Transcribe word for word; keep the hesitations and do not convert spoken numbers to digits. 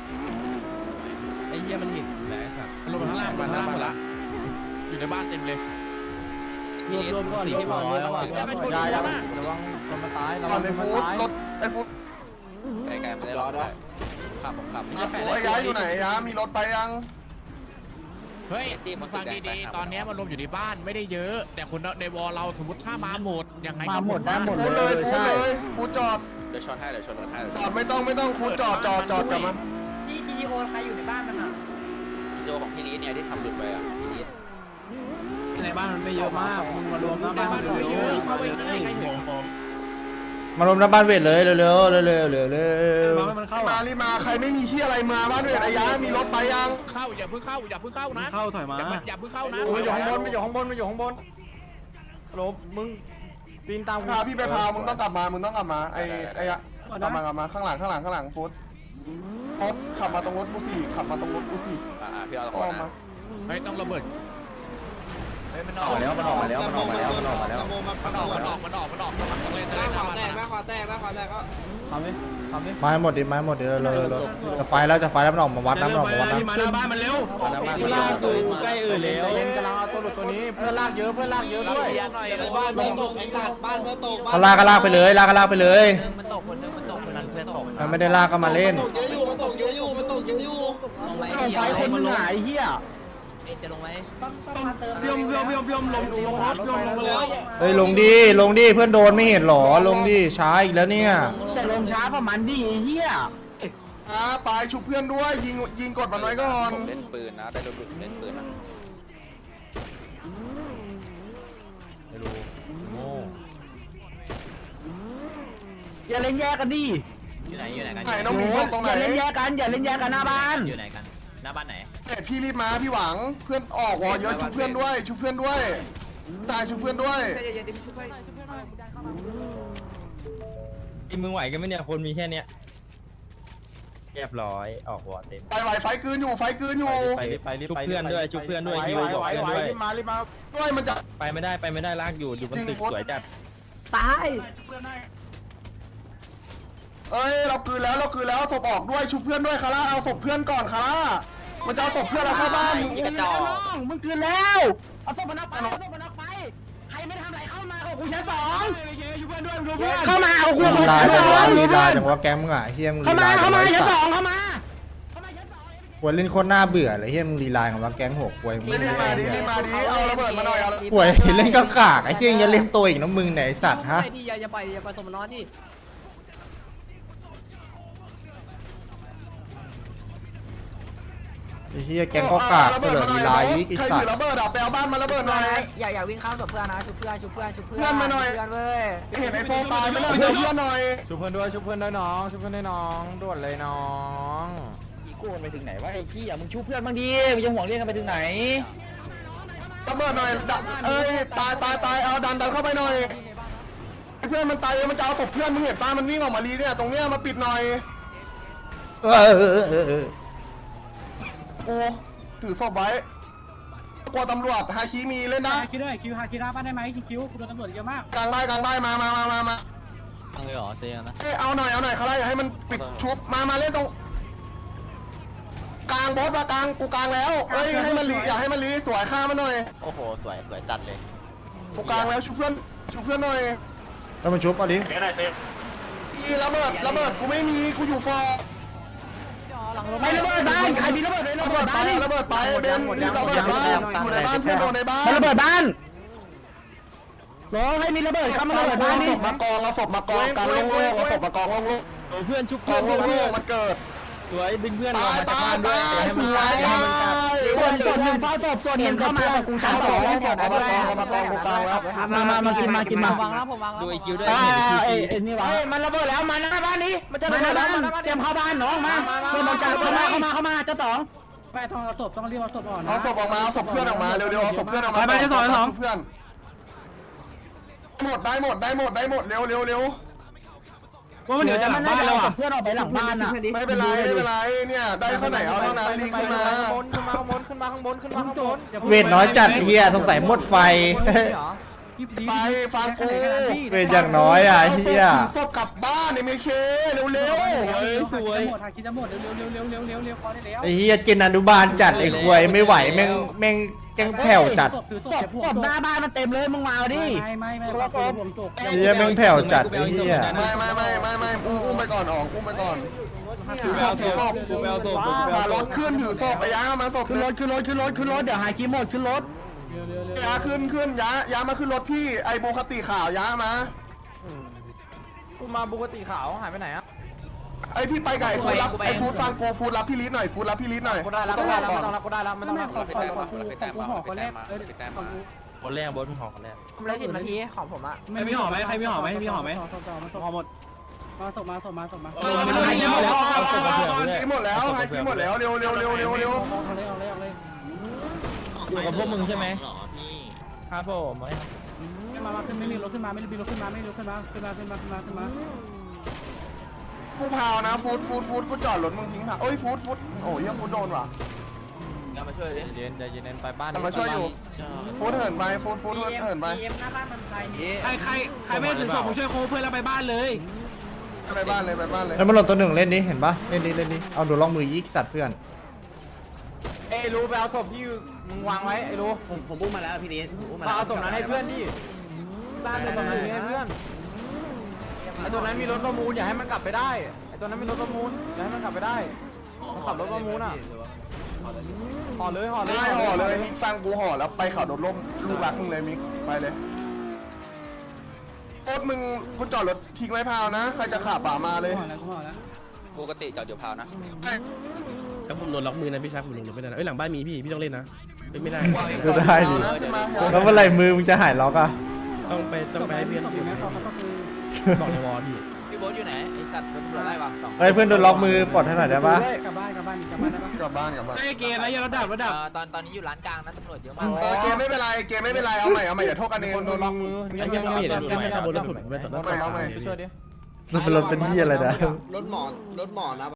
ไอ้เหี้ยมันเห็นแล้วสัตว์ลงข้างล่างมาหน้าหมดละอยู่ในบ้านเต็มเลยรวมรวมก่อนรวมก่อนระวังระวังระวังคนมาตายระวังคนมาตายรถไอ้ฟุตไกลๆไม่ได้รอได้ขับผมขับไอ้ย้ายอยู่ไหนย้ามีรถไปยังเฮ้ยมึงฟังดีๆตอนนี้มันรวมอยู่ในบ้านไม่ได้เยอะแต่คนในวอลเราสมมติถ้ามาหมดยังไงมาหมดได้หมดเลยใช่ฟูจอดเดี๋ยวชนให้เดี๋ยวชนรถให้จอดไม่ต้องไม่ต้องฟูจอดจอดจอดกลับมาพี่จีโอใครอยู่ในบ้านมันอ่ะจีโอของพี่นี้เนี่ยที่ทำหลุดไปอ่ะพี่นี้ในบ้านมันไม่เยอะมากมึงมารวมหน้าบ้านมันไม่เยอะเข้าไปง่ายใครเห็นมารวมหน้าบ้านเวทเลยเร็วๆเร็วๆเร็วๆเร็วๆเร็วๆมารีมาใครไม่มีที่อะไรมาบ้านเวทอายะมีรถไปยังเข้าอย่าเพิ่งเข้าอย่าเพิ่งเข้านะเข้าถอยมาอย่าเพิ่งเข้านะมันอยู่ข้างบนมันอยู่ข้างบนมันอยู่ข้างบนลบมึงปีนตามพาพี่ไปพามึงต้องกลับมามึงต้องกลับมาไอ้ไอ้อะกลับมากลับมาข้างหลังข้างหลังข้างหลังฟุตฟุตขับมาตรงรถบุฟี่ขับมาตรงรถบุฟี่อ่าพี่เอาตรงมาไม่ต้องระเบิดมันออกแล้วมันออกมาแล้วมันออกมาแล้วมันออกมาแล้วมันออกมันออกมันออกมันออกมันออกตรงเลนจะได้ทำมันนะแม่ขวาแตกแม่ขวาแตกก็ทำดิทำดิไม้หมดดิไม้หมดดิเลยเลยจะไฟแล้วจะไฟแล้วมันออกมาวัดน้ำมันออกมาวัดน้ำมาหน้าบ้านมันเร็วลากดูใกล้เออแล้วเล่นกำลังเอาตัวหลุดตัวนี้เพื่อนลากเยอะเพื่อนลากเยอะด้วยบ้านเมื่อตกไอ้สัตว์บ้านเมื่อตกเขาลากก็ลากไปเลยลากก็ลากไปเลยมันตกคนนึงมันตกคนนั้นเพื่อนตกมันไม่ได้ลากก็มาเล่นมันตกเยอะอยู่มันตกเยอะอยู่มันตกเยอะอยู่ลงไฟคนมึงหายเหี้ยจะลงไหมต้องต้องมาเติมยมยมยมยมลงลงรถยมลงมาแล้วเฮ้ยลงดิลงดิเพื่อนโดนไม่เห็นหรอลงดิช้าอีกแล้วเนี่ยแต่ลงช้าเพราะมันดิเหี้ยอ่าปลายชุบเพื่อนด้วยยิงยิงกดมันไว้ก่อนเล่นปืนนะได้รถเล่นปืนนะไม่รู้โง่อย่าเล่นแยกกันดิอยู่ไหนอยู่ไหนกันไหนน้องมีตรงไหนอย่าเล่นแยกกันอย่าเล่นแยกกันหน้าบ้านอยู่ไหนกันหน้าบ้านไหนเฮ้ยพี่รีบมาพี่หวังเพื่อนออกวอเยอะชุบเพื่อนด้วยชุบเพื่อนด้วยตายชุบเพื่อนด้วยที่มึงไหวกันไหมเนี่ยคนมีแค่เนี้ยเรียบร้อยออกวอเต็มไปไหวไฟกืนอยู่ไฟกืนอยู่ไปไปชุบเพื่อนด้วยชุบเพื่อนด้วยฮิวบอกเพื่อนด้วยรีบมารีบมาด้วยมันจะไปไม่ได้ไปไม่ได้ลากอยู่อยู่บนตึกสวยจัดตายเอ้ยเราคืนแล้วเราคืนแล้วศพออกด้วยชุบเพื่อนด้วยคาร่าเอาศพเพื่อนก่อนคาร่ามันจะเอาศพเพื่อนเราเข้าบ้านมึงกระจอกมึงคืนแล้วเอาศพมันออกไปเอาศพมันออกไปใครไม่ทำอะไรเข้ามากับกูชั้นสองเข้ามาเอากูลีลาจังวะลีลาจังวะแกมึงอ่ะเฮียมึงเข้ามาเข้ามาชั้นสองเข้ามาป่วยเล่นโคตรน่าเบื่อเลยเฮียมึงลีลาของว่าแก๊งหัวป่วยมึงรีบมาดิรีบมาดิเอาระเบิดมาหน่อยเอาป่วยเล่นกากากไอ้เฮียจะเล่นตัวอีกน้องมึงไหนสัตว์ฮะอย่าอย่าไปอย่าไปสมนอนที่ไอ้เฮียแกงก็กากเสลอลีลาอีกสัตว์ระเบิดอ่ะไปเอาบ้านมาระเบิดหน่อยอย่าอย่าวิ่งข้ามกับเพื่อนนะชุบเพื่อนชุบเพื่อนชุบเพื่อนเพื่อนมาหน่อยเพื่อนเว้ยเห็นไอ้โฟตายไม่ได้เพื่อนหน่อยชุบเพื่อนด้วยชุบเพื่อนด้วยน้องชุบเพื่อนด้วยน้องด่วนเลยน้องอีโก้ไปถึงไหนวะไอ้ขี้อ่ะมึงชุบเพื่อนบ้างดิมึงจะห่วงเรื่องกันไปถึงไหนระเบิดหน่อยเอ้ยตายตายตายเอาดันดันเข้าไปหน่อยเพื่อนมันตายมันจะเอาศพเพื่อนมึงเห็นป้ามันวิ่งออกมาลีเนี่ยตรงเนี้ยมาปิดหน่อยเออเออเออโอ้ถือศพไว้กลัวตำรวจฮาคิมีเล่นได้คิวด้วยคิวฮาคิราบ้านได้ไหมคิวกูโดนตำรวจเยอะมากกลางได้กลางได้มามามามามาทางเลยหรอเซียนะเอ้เอาหน่อยเอาหน่อยเขาไล่อย่าให้มันปิดชุบมามาเล่นตรงกลางบอสมากลางกูกลางแล้วเอ้ยให้มันลีอย่าให้มันลีสวยฆ่ามันหน่อยโอ้โหสวยสวยจัดเลยกูกลางแล้วชุบเพื่อนชุบเพื่อนหน่อยต้องมาชุบเอาดิอีระเบิดระเบิดกูไม่มีกูอยู่ฟอร์ไม่ระเบิดบ้านใครมีระเบิดเลยระเบิดบ้านระเบิดไปเบนรีบระเบิดบ้านอยู่ในบ้านเพื่อนโดนในบ้านระเบิดบ้านรอให้มีระเบิดเข้ามาระเบิดบ้านนี่มากองเอาศพมากองกันโล่งๆเอาศพมากองโล่งๆเพื่อนชุบกองโล่งๆมันเกิดสวยดึงเพื่อนออกมาจากบ้านด้วยให้มันตายให้มันกัดส่วนส่วนหนึ่งเฝ้าศพส่วนหนึ่งเข้ามากูชั้นสองเอามากองเอามากองกูกลางแล้วมามามากินมากินมาวางแล้วผมวางแล้วดูไอคิวด้วยเอ้ยนี่วะมันระเบิดแล้วมาหน้าบ้านนี้มันจะระเบิดแล้วเตรียมเข้าบ้านน้องมาเพื่อนมันจะเข้ามาเข้ามาเข้ามาเจ้าสองไปทองเอาศพต้องรีบเอาศพออกนะเอาศพออกมาเอาศพเพื่อนออกมาเร็วๆเอาศพเพื่อนออกมาไปไปเจ้าสองเจ้าสองเพื่อนหมดได้หมดได้หมดได้หมดเร็วเร็วเร็วว่ามันเดี๋ยวจะหลังบ้านแล้วอ่ะเพื่อนออกไปหลังบ้านอ่ะไม่เป็นไรไม่เป็นไรเนี่ยได้เท่าไหร่เอาเท่านั้นรีขึ้นมาขึ้นมาข้างบนขึ้นมาข้างบนขึ้นมาข้างบนเวทน้อยจัดเฮียสงสัยหมดไฟไปฟังกูเป็นอย่างน้อยอ่ะเฮียถือศพกลับบ้านในเมเคเร็วเร็วสวยหมดหาคิดจะหมดเร็วเร็วเร็วเร็วเร็วเร็วพอได้แล้วไอ้เฮียเจนอนุบาลจัดไอ้ควยไม่ไหวแม่งแม่งแกงแผ่วจัดศพศพหน้าบ้านมันเต็มเลยมึงมาเอาดิไม่ไม่ไม่ไม่ผมจบไอ้เฮียแม่งแผ่วจัดไอ้เฮียๆไม่ไม่ไม่ไม่ไม่อุ้มอุ้มไปก่อนออกอุ้มไปก่อนถือศพถือศพพารถขึ้นถือศพไปย้ามาศพขึ้นรถขึ้นรถขึ้นรถขึ้นรถเดี๋ยวหาคิดหมดขึ้นรถย้าขึ้นขึ้นย้าย้ามาขึ้นรถพี่ไอโบคติขาวย้ามากูมาปกติขาวหายไปไหนอ่ะไอพี่ไปกับไอฟูดรับไอฟูดฟังกูฟูดรับพี่ลิศหน่อยฟูดรับพี่ลิศหน่อยกูได้แล้วต้กูองได้รับแล้วก่อนไม่ต้องรับกูได้แล้วไม่ต้องรับขอขอขอกูห่อคนแรกเออของกูคนแรกบอสมึงห่อคนแรกผมเลยสิบนาทีของผมอะไม่มีห่อไหมใครมีห่อไหมมีห่อไหมห่อหมดมาส่งมาส่งมาส่งมาเออมันหมดแล้วหมดแล้วไฮซีหมดแล้วเร็วเร็วเร็วเร็วเร็วเอาเลยเอาเลยเอาเลยอยู่กับพวกมึงใช่ไหมครับผมมามาขึ้นไม่มีรถขึ้นมาไม่มีรถขึ้นมาไม่มีรถขึ้นมาขึ้นมาขึ้นมาขึ้นมาขึ้นมากูพาวนะฟูดฟูดฟูดกูจอดรถมึงทิ้งค่ะเอ้ยฟูดฟูดโอ้ยยังฟูดโดนว่ะมาช่วยดิเย็นใจเย็นไปบ้านแต่มาช่วยอยู่ฟูดเหินไปฟูดฟูดเหินไปเอ็มหน้าบ้านมันตายนี่ใครใครใครไม่ถึงศพผมช่วยโค้เพื่อนเราไปบ้านเลยไปบ้านเลยไปบ้านเลยแล้วมันหล่นตัวหนึ่งเล่นดิเห็นปะเล่นดิเล่นดิเอาดูล่องมือยิกสัตว์เพื่อนเอ้รู้ไปเอาศพที่มึงวางไว้ไอ้รู้ผมผมอุ้มมาแล้วพี่ดิผมอุ้มมามาเอาศพนั้นให้เพื่อนดิบ้านเป็นศพนั้นให้เพื่อนไอ้ตัวนั้นมีรถประมูลอย่าให้มันกลับไปได้ไอ้ตัวนั้นมีรถประมูลอย่าให้มันกลับไปได้มันขับรถประมูลอ่ะห่อเลยห่อเลยได้ห่อเลยมิกฟังกูห่อแล้วไปเขาโดดร่มลูกรักมึงเลยมิกไปเลยโคตรมึงกูจอดรถทิ้งไว้พาวนะใครจะขับป่ามาเลยห่อแล้วห่อแล้วปกติจอดอยู่พาวนะถ้าผมโดนล็อกมือนะพี่ชายผมลงรถไม่ได้นะเอ้ยหลังบ้านมีพี่พี่ต้องเล่นนะเล่นไม่ได้ดูได้ดิแล้วเมื่อไหร่มือมึงจะหายล็อกอ่ะต้องไปต้องไปให้เพื่อนศพอยู่ไหมเขาก็คือบอกในวอลพี่พี่โบ๊ทอยู่ไหนไอ้สัตว์โดนตำรวจไล่ป่ะสองเฮ้ยเพื่อนโดนล็อกมือปลดให้หน่อยได้ปะกลับบ้านกลับบ้านกลับบ้านได้ปะกลับบ้านกลับบ้านไอ้เกมนะอย่าระดับระดับตอนตอนนี้อยู่ร้านกลางนะตำรวจเยอะมากเออเกมไม่เป็นไรเกมไม่เป็นไรเอาใหม่เอาใหม่อย่าโทษกันเองคนโดนล็อกมือไอ้เหี้ยังไม่เห็นเลยไม่ข้าบนรถถุนไม่ต่อหน้าไปช่วยดิมันเป็นรถเป็นที่อะไรนะรถหมอรถหมอนะ